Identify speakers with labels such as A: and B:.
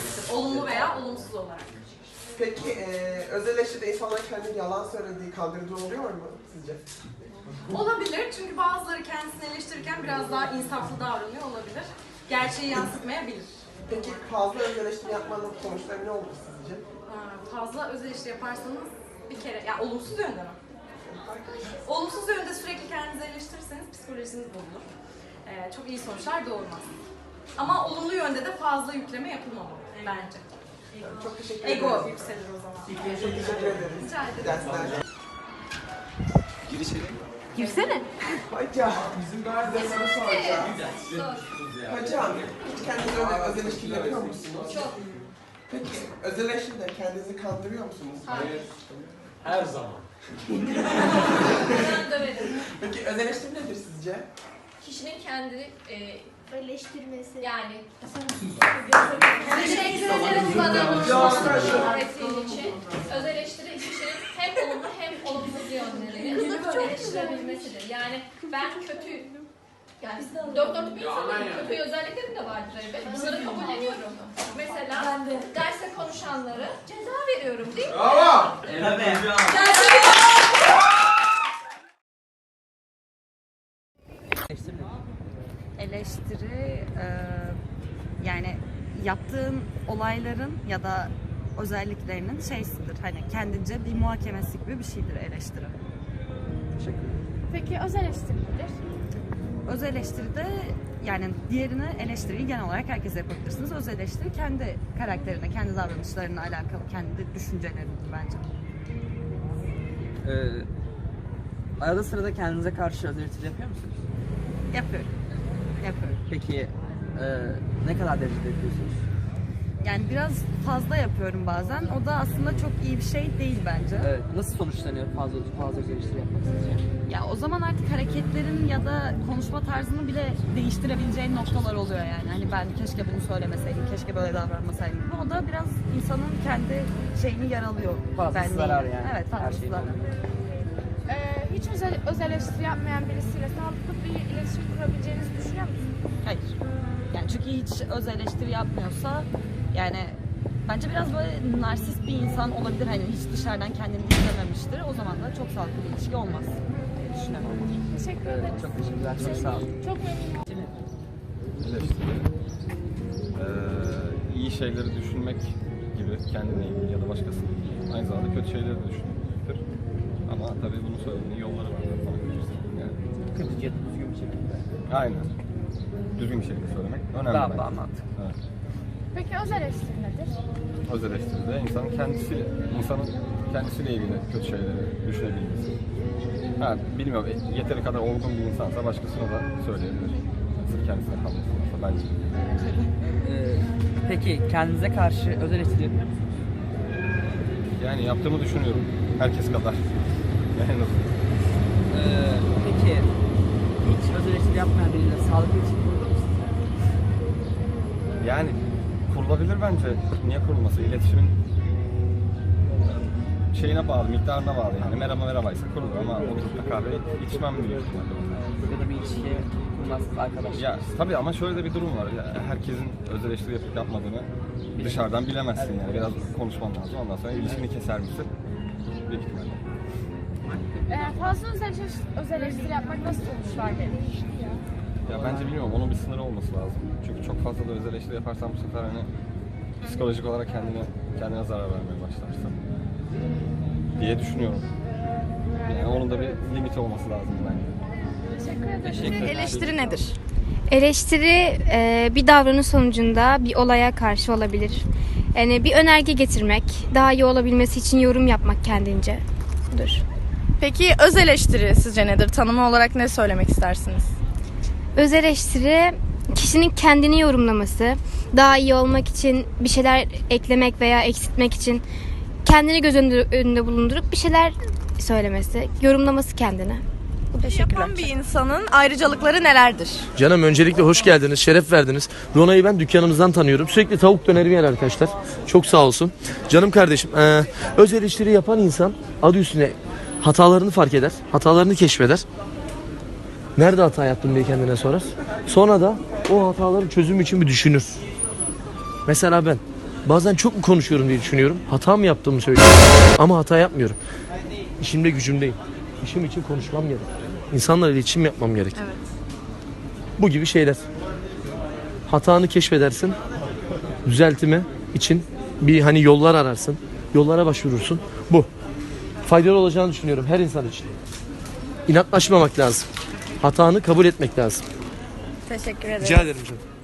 A: etkisidir. Olumlu veya olumsuz olarak.
B: Peki öz eleştiride insanlar kendini yalan söylediği kandırıcı oluyor mu sizce?
A: Olabilir çünkü bazıları kendisini eleştirirken biraz daha insaflı davranıyor olabilir. Gerçeği yansıtmayabilir.
B: Peki fazla öz eleştiri yapmanın sonuçları ne olur sizce?
A: Fazla öz eleştiri yaparsanız bir kere, ya olumsuz yönde mi? Olumsuz yönde sürekli kendinizi eleştirirseniz psikolojiniz bozulur. Çok iyi sonuçlar doğurmaz. Ama olumlu yönde de fazla yükleme yapılmamalı bence.
B: Çok teşekkür ederim.
A: Ego yükselir o zaman.
B: Çok teşekkür ederim.
A: Rica ederim.
B: Dersler.
C: Gir içeri.
D: Girsene.
B: Hocam, bizim daha önce soru soracağım. Hocam, hiç kendinize öz eleştiri yapıyor musunuz?
A: Çok.
B: Peki, öz eleştiride kendinizi kandırıyor musunuz?
A: Hayır.
C: Her zaman.
A: Ben döverim.
B: Peki, öz eleştiri nedir sizce?
E: Kişinin kendini
D: Eleştirmesi.
E: yani teşekkür ederim bana bunu öğrettiğin için. Öz eleştiri kişinin hem olumlu hem olumsuz yönlerini eleştirebilmesidir. Yani ben kötü, yani dört bir insanım, kötü özelliklerim de vardır elbet. Bunları kabulleniyorum. Mesela derste konuşanları ceza veriyorum değil mi?
B: Bravo!
D: Eleştiri yani yaptığın olayların ya da özelliklerinin şeysidir. Hani kendince bir muhakemesi gibi bir şeydir eleştiri.
B: Teşekkür ederim.
F: Peki öz eleştiri nedir?
D: Öz eleştiride yani diğerini eleştiriyi genel olarak herkese yapabilirsiniz. Öz eleştiri kendi karakterine, kendi davranışlarına alakalı, kendi düşüncelerindir bence.
G: Arada sırada kendinize karşı öz eleştiri yapıyor musunuz?
D: Yapıyorum.
G: Peki ne kadar derecede yapıyorsunuz?
D: Yani biraz fazla yapıyorum bazen. O da aslında çok iyi bir şey değil bence.
G: Evet. Nasıl sonuçlanıyor fazla öz eleştiri yapmak sizce?
D: Ya o zaman artık hareketlerin ya da konuşma tarzını bile değiştirebileceğin noktalar oluyor yani. Hani ben keşke bunu söylemeseydim, keşke böyle davranmasaydım. O da biraz insanın kendi şeyini yaralıyor.
G: Fazlası zarar yani.
D: Evet,
G: Her
D: fazlası
G: şeyin
D: zarar.
F: Hiç öz eleştiri yapmayan birisiyle sağlıklı bir iletişim kurabileceğinizi düşünüyor musunuz?
D: Hayır. Yani çünkü hiç öz eleştiri yapmıyorsa yani bence biraz böyle narsist bir insan olabilir. Hani hiç dışarıdan kendini izlememiştir. O zaman da çok sağlıklı bir ilişki olmaz diye düşünüyorum.
F: Teşekkür ederim.
G: Çok teşekkürler. Çok sağ olun.
F: Çok memnunum.
H: Eleştiri, iyi şeyleri düşünmek gibi kendine ilgili ya da başkasıyla ilgili. Aynı zamanda kötü şeyleri de düşünmektir. Ama tabii bunun söylediğinin yolları var. Yani.
G: Kötüce düzgün bir şekilde.
H: Aynen. Düzgün bir şekilde söylemek önemli.
G: Daha
H: bence.
G: mantıklı.
H: Evet.
F: Peki öz eleştiri nedir?
H: Öz eleştiride insanın kendisiyle ilgili kötü şeyleri düşünebilmesi. Ha, bilmiyorum, yeteri kadar olgun bir insansa başkasına da söyleyebilir. Sırf kendisine kalmasın bence.
G: Peki kendinize karşı öz eleştiri yapıyor musunuz?
H: Yani yaptığımı düşünüyorum. Herkes kadar. En azından.
G: Peki hiç öz eleştiri yapmayan biriyle sağlıklı iletişim kurulur mu sizce?
H: Yani kurulabilir bence. Niye kurulması? İletişimin şeyine bağlı, miktarına bağlı yani. Merhabaysa kurulur ama oturup da kahve içmem diyor.
G: Ya da bir ilişki kurmazsınız arkadaşlar.
H: Ya tabii ama şöyle de bir durum var. Ya, herkesin öz eleştiri yapıp yapmadığını dışarıdan bilemezsin yani. Biraz konuşman lazım. Ondan sonra ilişkini keser misin? Büyük ihtimalle.
F: Fazla öz eleştiri yapmak nasıl sonuçlar verir?
H: Ya bence bilmiyorum. Onun bir sınırı olması lazım. Çünkü çok fazla da öz eleştiri yaparsan bu sefer hani psikolojik olarak kendine zarar vermeye başlarsın diye düşünüyorum. Yani onun da bir limiti olması lazım bence.
F: Teşekkür ederim.
I: Eleştiri nedir? Eleştiri bir davranış sonucunda bir olaya karşı olabilir. Yani bir önerge getirmek, daha iyi olabilmesi için yorum yapmak kendince. Budur.
J: Peki öz eleştiri sizce nedir? Tanımı olarak ne söylemek istersiniz?
I: Öz eleştiri kişinin kendini yorumlaması, daha iyi olmak için bir şeyler eklemek veya eksiltmek için kendini göz önünde bulundurup bir şeyler söylemesi, yorumlaması kendini.
J: Yapan bir insanın ayrıcalıkları nelerdir?
K: Canım öncelikle hoş geldiniz, şeref verdiniz. Rona'yı ben dükkanımızdan tanıyorum. Sürekli tavuk dönerimi yer arkadaşlar. Çok sağ olsun. Canım kardeşim, öz eleştiri yapan insan adı üstüne hatalarını fark eder, hatalarını keşfeder. Nerede hata yaptım diye kendine sorar. Sonra da o hataların çözümü için bir düşünür. Mesela ben Bazen çok mu konuşuyorum diye düşünüyorum. Hata mı yaptığımı söylüyorum. Ama hata yapmıyorum. İşimde gücümdeyim. İşim için konuşmam gerek. İnsanlarla iletişim yapmam gerek.
J: Evet.
K: Bu gibi şeyler. Hatanı keşfedersin. Düzeltme için bir hani yollar ararsın. Yollara başvurursun. Bu. Faydalı olacağını düşünüyorum her insan için. İnatlaşmamak lazım. Hatanı kabul etmek lazım.
J: Teşekkür ederim.
K: Rica ederim canım.